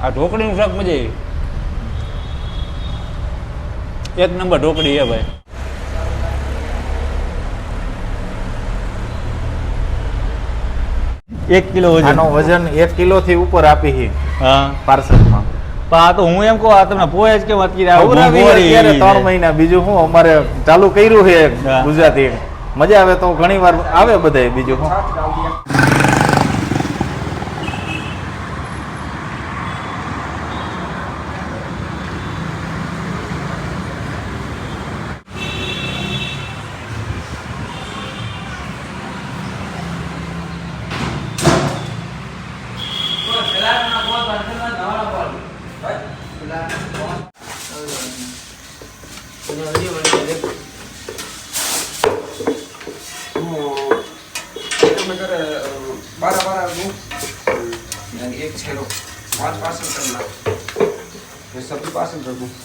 આ ઢોકળીનું શાક મજા આવી. એક નંબર ઢોકળી હે ભાઈ. એક કિલો વજન. આનો વજન 1 કિલો થી ઉપર આપી છે. હા પાર્સલમાં. પણ આ તો હું એમ કહું આ તમને પોહે જ કેમ અત્યારે 3 મહિના બીજું હું અમારે ચાલુ કર્યું છે ગુજરાતી. મજા આવે તો ઘણી વાર આવે બધા. બીજું હું एक छेलो 5 पार्सल करना मैं सभी पार्सल कर दूँ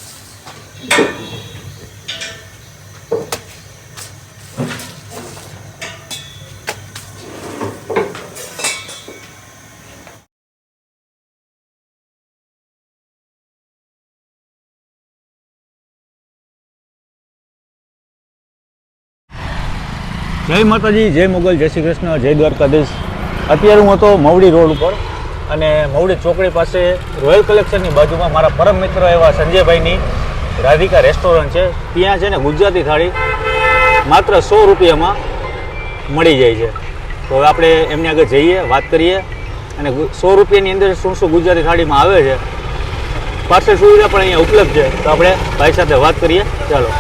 જય માતાજી, જય મોગલ, જય શ્રી કૃષ્ણ, જય દ્વારકાધીશ. અત્યારે હું હતો મવડી રોડ ઉપર અને મવડી ચોકડી પાસે રોયલ કલેક્શનની બાજુમાં મારા પરમ મિત્ર એવા સંજયભાઈની રાધિકા રેસ્ટોરન્ટ છે. ત્યાં છે ને ગુજરાતી થાળી માત્ર 100 રૂપિયામાં મળી જાય છે. તો હવે આપણે એમની આગળ જઈએ, વાત કરીએ અને 100 રૂપિયાની અંદર શું શું ગુજરાતી થાળીમાં આવે છે, પાર્સલ સુવિધા પણ અહીંયા ઉપલબ્ધ છે. તો આપણે ભાઈ સાથે વાત કરીએ. ચાલો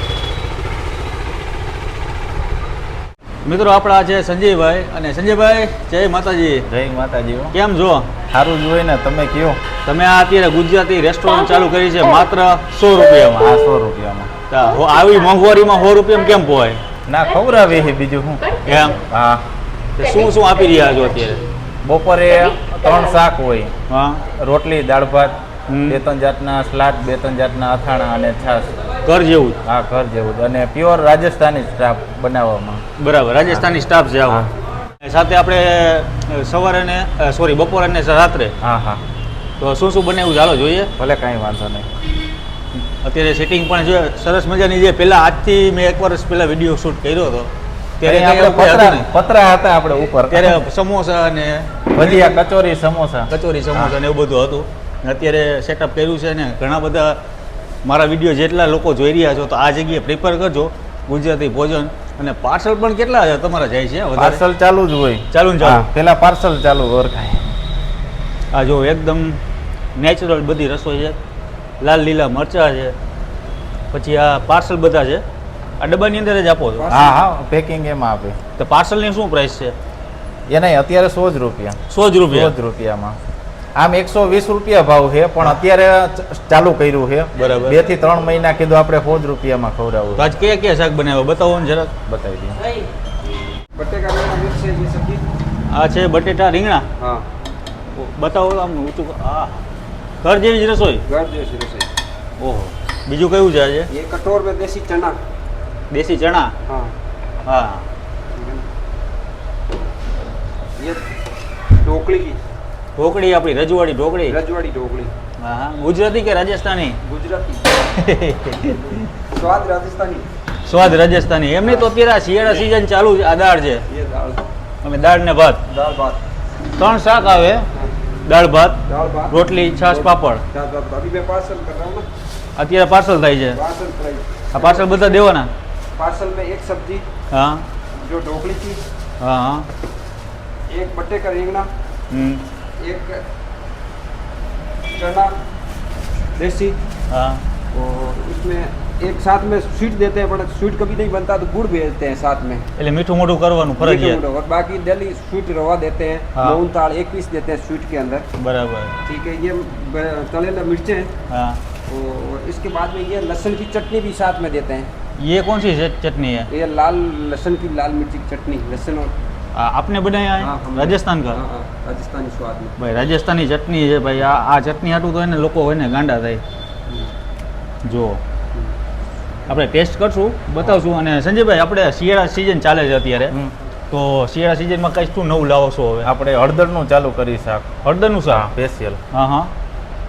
મિત્રો, આપણા છે સંજયભાઈ. અને સંજયભાઈ, જય માતાજી. જય માતાજી. કેમ છો? સારું જ હોય ને. તમે કયો? તમે આ અત્યારે ગુજરાતી રેસ્ટોરન્ટ ચાલુ કરી છે માત્ર 100 રૂપિયામાં. હા, 100 રૂપિયામાં. આવી મોંઘવારીમાં 100 રૂપિયામાં કેમ પોવાય? ના, ખવડાવે છે બીજું શું. એમ? હા. શું શું આપી રહ્યા છો અત્યારે? બપોરે 3 શાક હોય. હા. રોટલી, દાળ ભાત, 2-3 જાતના સલાડ, 2-3 જાતના અથાણા અને છાશ. ઘર જેવું જ? હા, ઘર જેવું જ. અને પ્યોર રાજસ્થાની સ્ટાફ બનાવવામાં. બરાબર, રાજસ્થાની સ્ટાફ છે આવો. સાથે આપણે સવારે ને બપોરે ને રાત્રે. હા હા. તો શું શું બનાવ્યું ચાલો જોઈએ. ભલે, કાંઈ વાંધો નહીં. અત્યારે સેટિંગ પણ જો સરસ મજાની જે પહેલા આજથી મેં 1 વર્ષ પહેલા વિડીયો શૂટ કર્યો હતો ત્યારે આપણે પતરા હતા આપણે ઉપર. ત્યારે સમોસા અને ભજીયા, કચોરી, સમોસા ને એવું બધું હતું. અત્યારે સેટઅપ કર્યું છે ને ઘણા બધા મારા વિડીયો જેટલા લોકો જોઈ રહ્યા છો તો આ જગ્યાએ પ્રિફર કરજો ગુજરાતી ભોજન. અને પાર્સલ પણ કેટલા તમારા જાય છે? પાર્સલ ચાલુ જ હોય. ચાલુ ને ચાલુ? પેલા પાર્સલ ચાલુ ઓળખાય. આ જો એકદમ નેચરલ બધી રસોઈ છે. લાલ લીલા મરચા છે, પછી આ પાર્સલ બધા છે. આ ડબ્બાની અંદર જ આપો છો? હા હા, પેકિંગ એમાં આપે. તો પાર્સલની શું પ્રાઇસ છે? એના અત્યારે 100 જ રૂપિયા. 100 જ રૂપિયા? 100 જ રૂપિયામાં. આમ 120 રૂપિયા ભાવ છે, પણ અત્યારે ચાલુ કર્યું છે. બરાબર. 2 થી 3 મહિના કીધું આપણે 100 જ રૂપિયામાં ખવડાવવું. તો આજ કયા કયા શાક બનાવ્યા બતાવો ને જરાક. બતાવી દઈએ. बटेका का मिक्स है ये सब्जी। આ છે બટેટા રીંગણા. हाँ, બતાવો આમ ઊંચું. હા, ઘર જેવી જ રસોઈ. घर जैसी रसोई। ઓહો. બીજું કયું છે આજે? ये कटोर में देसी चना। દેશી ચણા. हाँ, હા. ये ढोकली की ઢોકળી આપણી રજવાડી ઢોકળી. रजवाड़ी ढोकली। હા હા. ગુજરાતી કે રાજસ્થાની? गुजराती। स्वाद राजस्थानी। સ્વાદ રાજસ્થાની. એમને તો અત્યારે આ શિયાળા સિઝન ચાલુ છે. આ દાળ છે. ये दाल અમે દાળ ને ભાત. दाल भात। 3 શાક આવે. દાળ ભાત, दाल भात, રોટલી, છાશ, પાપડ. छाछ भात। अभी मैं पार्सल कर रहा हूँ ना। અત્યારે પાર્સલ થાય છે. Parcel price. આ પાર્સલ બધા દેવાના? पार्सल में एक सब्जी હા जो ढोकली की, હા હા. एक बट्टे का रेंगना, एक चना देसी, હા. और उसमें एक साथ में स्वीट देते हैं, बट स्वीट कभी नहीं बनता तो गुड़ भेजते हैं साथ में। એટલે મીઠું મોઢું કરવાનું ફરજિયાત. और बाकी डेली स्वीट रवा देते हैं। हाँ। मूंग दाल 1 पीस देते हैं स्वीट के अंदर। બરાબર. ठीक है। ये तलेला मिर्चें हैं, હા. और इसके बाद में ये लहसुन की चटनी भी साथ में देते हैं। ये कौन सी चटनी है? ये लाल लहसुन की लाल मिर्ची की चटनी, लहसुन और आपने बनाया है? हाँ, हमने- राजस्थान का? हाँ, हाँ, राजस्थानी स्वाद में। ભાઈ રાજસ્થાની ચટણી છે ભાઈ. આ ચટણી હાટું તો એને લોકો હોય ને ગાંડા થાય. જો આપણે ટેસ્ટ કરશું, બતાવશું. અને સંજયભાઈ, આપણે શિયાળા સિઝન ચાલે છે અત્યારે, તો શિયાળા સિઝનમાં કઈ શું નવું લાવો છો હવે? આપણે હળદરનું ચાલુ કરી શાક. હળદરનું શાક? સ્પેશિયલ. હા હા.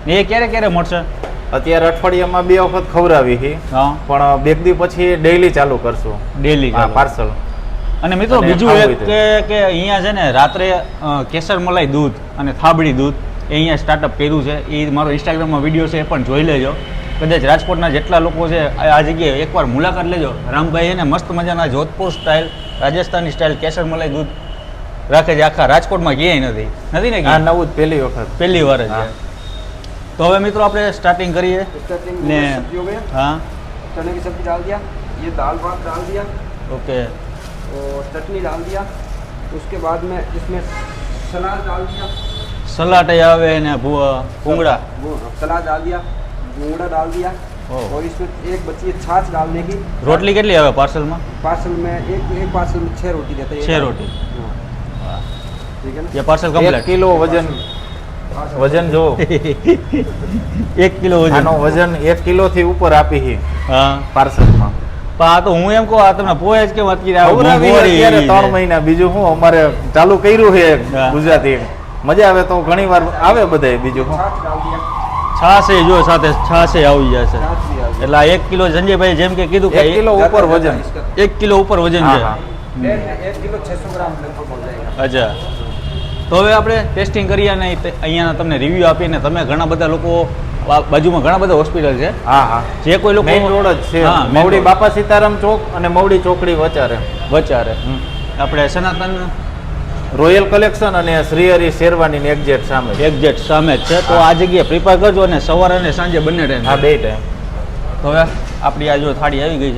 એ ક્યારે ક્યારે મળશે? અત્યારે અઠવાડિયામાં 2 વખત ખવડાવી છે, હા, પણ 2 દી પછી ડેઈલી ચાલુ કરશું. ડેલી. હા, પાર્સલ. અને મિત્રો અને બીજું ખાવું એક કે અહીંયા છે ને રાત્રે કેસર મલાઈ દૂધ અને થાબડી દૂધ એ અહીંયા સ્ટાર્ટઅપ કર્યું છે. એ મારો ઇન્સ્ટાગ્રામમાં વિડીયો છે, એ પણ જોઈ લેજો. કદાચ રાજકોટના જેટલા લોકો છે આ જગ્યાએ એકવાર મુલાકાત લેજો. રામભાઈ એને મસ્ત મજાના જોધપુર સ્ટાઇલ, રાજસ્થાની સ્ટાઇલ કેસર મલાઈ દૂધ રાખે છે. આખા રાજકોટમાં ક્યાંય નથી ને આ ક્યાંય? નવું જ પહેલી વખત. પહેલી વાર જ છે. તો હવે મિત્રો આપણે સ્ટાર્ટિંગ કરીએ स्टार्टिंग ને में सब्जी हो गया, હા, चने की सब्जी डाल दिया, ये दाल भात डाल दिया ઓકે. और चटनी डाल दिया। उसके बाद में इसमें सलाद डाल दिया, સલાડ આવે ને ભૂંગળા. वो सलाद डाल दिया, मूंगड़ा डाल दिया ओह। और इसमें एक बची है छाछ डालने की। રોટલી કેટલી આવે પાર્સલમાં? पार्सल में एक पार्सल में 6 रोटी देते हैं। 6 रोटी. हाँ, ठीक है ना। ये पार्सल 1 કમ્પ્લીટ. કિલો વજન જો 1 કિલો વજન. આનો વજન 1 કિલો થી ઉપર આપી છે હા, પાર્સલમાં. પણ આ તો હું એમ કહું, આ તમને પોહે જ કેમ અત્યારે આ ખવડાવી મોંઘવારી અત્યારે એવી 3 છે. મહિના. બીજું શું અમારે ચાલુ કર્યું છે હા. ગુજરાતી. મજા આવે તો ઘણી વાર આવે બધાય. બીજું શું छाछ डाल दिया, છાશે જો સાથે છાશે આવી જશે. छाछ भी डाल दिया। એટલે આ 1 કિલો સંજયભાઈ જેમ કે કીધું કે 1 કિલો ઉપર વજન. 1 કિલો ઉપર વજન હા, છે. હા. 1 किलो 600 ग्राम लगभग हो जाएगा। અચ્છા. તો હવે આપણે ટેસ્ટિંગ કરીએ અને અહીંયાના તમને રિવ્યૂ આપીને તમે ઘણા બધા લોકો બાજુમાં ઘણા બધા હોસ્પિટલ છે, હા, હા. જે કોઈ લોકો મેઇન રોડ જ છે. હા, main મવડી road. બાપા સીતારામ ચોક અને મવડી ચોકડી વચારે. વચારે આપણે સનાતન રોયલ કલેક્શન અને શ્રીહરી શેરવાની એક્ઝેક્ટ સામે છે. એક્ઝેક્ટ સામે જ છે. તો આ જગ્યાએ પ્રિપેર કરજો અને સવારે અને સાંજે બંને ટાઈમ. હા, 2 ટાઈમ. તો હવે આપણી આ જો થાળી આવી ગઈ છે,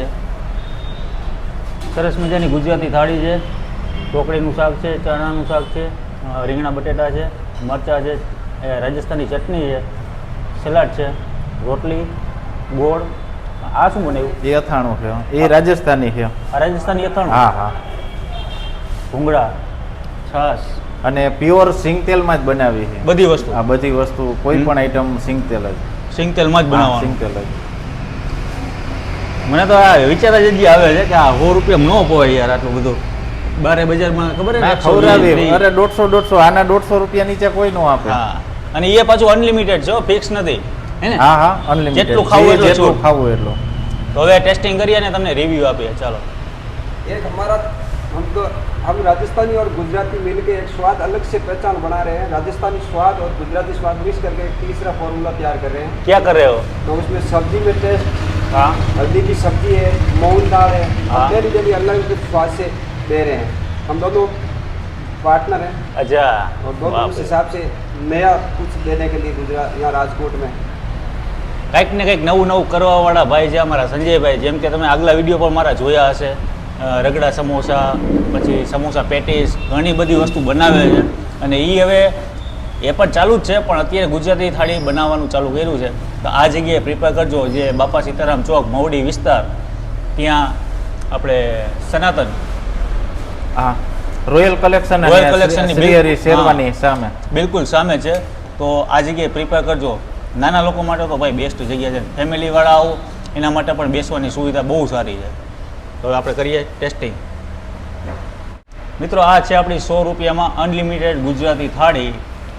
સરસ મજાની ગુજરાતી થાળી છે. ઢોકળીનું શાક છે, ચણાનું શાક છે, રીંગણા બટેટા છે, મરચાં છે, રાજસ્થાની ચટણી છે, સલાડ છે, રોટલી, ગોળ. આ શું બનાવ્યું? એ અથાણું છે, એ રાજસ્થાની છે. આ રાજસ્થાની અથાણું. હા, હા. ભૂંગળા, છાશ, અને પ્યોર સિંગ તેલમાં જ બનાવી છે બધી વસ્તુ આ બધી વસ્તુ. કોઈ પણ આઈટમ સિંગ તેલ જ. સિંગ તેલમાં જ હા, સિંગ બનાવવાનું. તેલ જ. મને તો આ વિચાર જ હજી આવે છે કે આ 100 રૂપિયામાં ન પોવાય યાર આટલું બધું. બારે બજારમાં ખબર ના, ને ખવડાવી. અરે 150 આના 150 રૂપિયા નીચે કોઈ નો આપે. હા, અને એ પાછું અનલિમિટેડ છે, ફિક્સ નથી હે ને? હા, હા, અનલિમિટેડ. જેટલું ખાવું એટલું જેટલું છૂટ. ખાવું એટલું. તો હવે ટેસ્ટિંગ કરીએ અને તમને રિવ્યુ આપીએ. ચાલો. एक हमारा हम राजस्थानी और गुजराती मिलके एक स्वाद अलग से पहचान बना रहे हैं। राजस्थानी स्वाद और गुजराती स्वाद मिक्स करके एक तीसरा फॉर्मूला तैयार कर रहे हैं। क्या कर रहे हो? तो उसमें सब्जी में टेस्ट, हाँ, हल्दी की सब्जी है, मूंग दाल है, हाँ। डेली डेली अलग अलग स्वाद से दे रहे हैं। हम दोनों पार्टनर हैं अच्छा, और दोनों बाप उस रे. हिसाब से नया कुछ देने के लिए गुजरात यहाँ राजकोट में કંઈક ને કંઈક નવું નવું કરવાવાળા ભાઈ છે અમારા સંજયભાઈ. જેમ કે તમે આગલા વિડીયો પણ મારા જોયા હશે, રગડા સમોસા, પછી સમોસા પેટીસ, ઘણી બધી વસ્તુ બનાવે છે. અને એ હવે એ પણ ચાલુ જ છે, પણ અત્યારે ગુજરાતી થાળી બનાવવાનું ચાલુ કર્યું છે. તો આ જગ્યાએ પ્રિપેર કરજો, જે બાપા સીતારામ ચોક મવડી વિસ્તાર, ત્યાં આપણે સનાતન હા, રોયલ કલેક્શન રોયલ અને કલેક્શનની શ્રીહરી હા. શેરવાની સામે. બિલકુલ સામે છે. તો આ જગ્યાએ પ્રિપેર કરજો. નાના લોકો માટે તો ભાઈ બેસ્ટ જગ્યા છે. ફેમિલીવાળા આવો એના માટે પણ બેસવાની સુવિધા બહુ સારી છે. તો હવે આપણે કરીએ ટેસ્ટિંગ. મિત્રો, આ છે આપણી 100 રૂપિયામાં અનલિમિટેડ ગુજરાતી થાળી.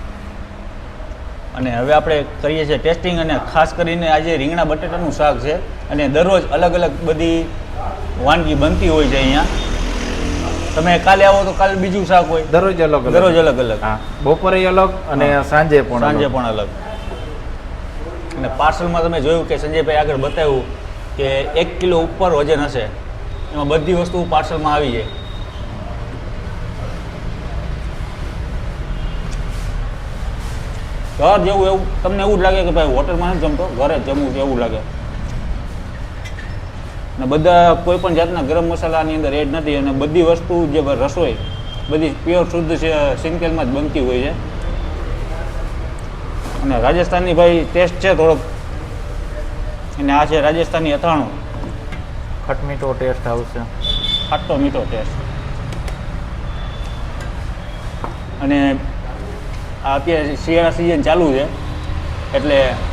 અને હવે આપણે કરીએ છીએ ટેસ્ટિંગ. અને ખાસ કરીને આજે રીંગણા બટેટાનું શાક છે. અને દરરોજ અલગ અલગ બધી વાનગી બનતી હોય છે અહીંયા. તમે કાલે આવો તો કાલે બીજું શાક હોય, દરરોજ અલગ અલગ. દરરોજ અલગ અલગ. હા, બપોરે અલગ અને સાંજે પણ સાંજે અલગ. પણ અલગ. અને પાર્સલમાં તમે જોયું કે સંજયભાઈ આગળ બતાવ્યું કે 1 કિલો ઉપર વજન હશે, એમાં બધી વસ્તુ પાર્સલમાં આવી જાય. ઘર જેવું એવું તમને એવું જ લાગે કે ભાઈ હોટલમાં નથી જમતો, ઘરે જ જમવું છે એવું લાગે. અને બધા કોઈ પણ જાતના ગરમ મસાલાની અંદર એડ નથી. અને બધી વસ્તુ જે રસોઈ બધી પ્યોર શુદ્ધ સિંગ તેલમાં જ બનતી હોય છે. અને રાજસ્થાનની ભાઈ ટેસ્ટ છે થોડોક. અને આ છે રાજસ્થાની અથાણું, ખટમીઠો ટેસ્ટ આવશે. ખાટો મીઠો ટેસ્ટ. અને આ અત્યારે શિયાળા સિઝન ચાલુ છે એટલે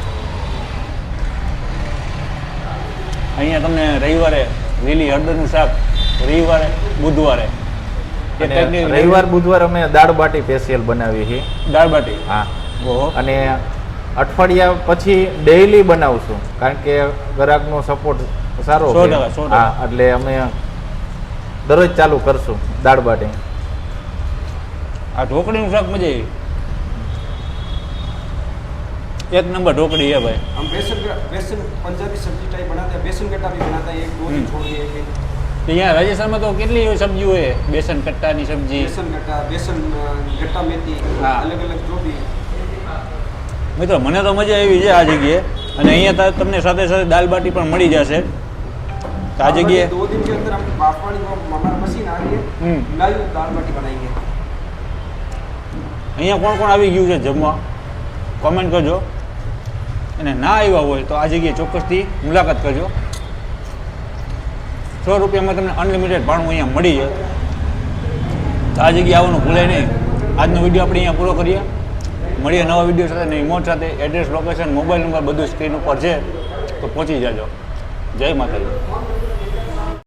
અહીંયા તમને રવિવારે લીલી હળદરનું શાક, રવિવારે બુધવારે અને રવિવાર બુધવાર અમે દાળ બાટી સ્પેશિયલ બનાવીએ છીએ. દાળ બાટી. હા, ઓહો. અને અઠવાડિયા પછી ડેઈલી બનાવશું કારણ કે ગ્રાહકનો સપોર્ટ સારો 100%, 100%. હા એટલે અમે દરરોજ ચાલુ કરશું દાળ બાટી. આ ઢોકળીનું શાક મજા આવી. એક નંબર ઢોકળી है भाई. हम बेसन पंजाबी सब्जी टाइप बनाते हैं, बेसन गट्टा भी बनाते हैं, एक दो दिन छोड़ के एक તો અહીંયા રાજસ્થાનમાં તો કેટલી સબ્જી હોય, બેસન કટ્ટાની સબ્જી. बेसन गट्टा मेथी हाँ। अलग अलग जो भी મિત્રો મને તો મજા આવી છે આ જગ્યાએ, અને અહીંયા તમને સાથે સાથે દાલ બાટી પણ મળી જશે. તો આ જગ્યાએ 2 दिन के अंदर हम बाफवाड़ी में हमारा मशीन आ रही है, लाइव दाल बाटी बनाएंगे. અહીંયા કોણ કોણ આવી ગયું છે જમવા કોમેન્ટ કરજો, અને ના આવ્યા હોય તો આ જગ્યાએ ચોક્કસથી મુલાકાત કરજો. 100 રૂપિયામાં તમને અનલિમિટેડ ભાણું અહીંયા મળી જાય. તો આ જગ્યાએ આવવાનું ભૂલાય નહીં. આજનો વિડીયો આપણે અહીંયા પૂરો કરીએ. મળીએ નવા વિડીયો સાથે, નવી મોજ સાથે. એડ્રેસ, લોકેશન, મોબાઈલ નંબર બધું સ્ક્રીન ઉપર છે, તો પહોંચી જાજો. જય માતાજી.